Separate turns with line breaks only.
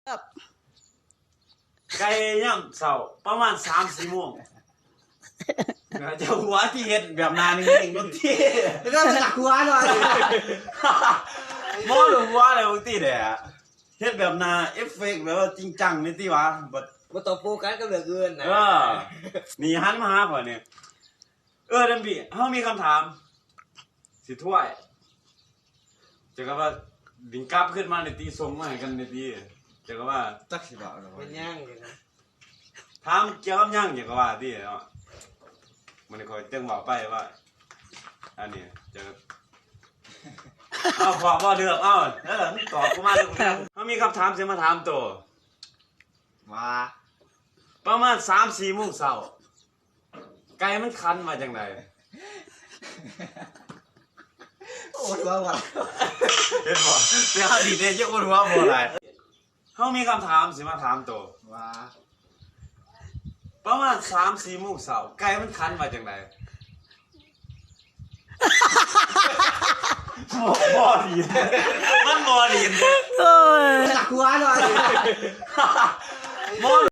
ไก่ย่ำเสาประมาณ3-4 โมงเจ้าหัวที่เห็ดแบบนานิ่งๆบางที
แล้วก็จักหัวหน่อย
มอหรือหัวอะไรบางทีเนี่ยเห็ดแบบนาเอฟเฟกต์แบบว่าจริงจังนี่ที่วะบัด
มาต่อโฟกัสก็เหลือเกินนะ
นี่หันมาหาก่อนเนี่ยเดมบี้เขามีคำถามสิถ้วยจะก็ว่าดิงกลับขึ้นมาในตีทรงมาให้กันในตีจะก็ว่า
จักสิบ่าวหรอ
เป็นย่างเลยนะ
ถามเกี่ยวกับย่างอย่างก็ว่าที่เนาะมันคอยเติ้งบอกไปว่าอันนี้จะเอาขอบ่เดือกเอาตอบกูมาเลยเขามีคำถามเสียมาถามตัว
ว่า
ประมาณ3-4 โมงเช้าไก่มันคันมาจังได
โอ้ยว่าว่า
เห็นบ่เดี๋ยวดีเด้จะคนหัวบ่ได้เขามีคำถามสิมาถามตัว
ว่า
ประมาณ3-4 โมงเช้าไก่มันคันมาจังไดบ่ดีมันบ่ดี
จักหัวหน่อย
บ่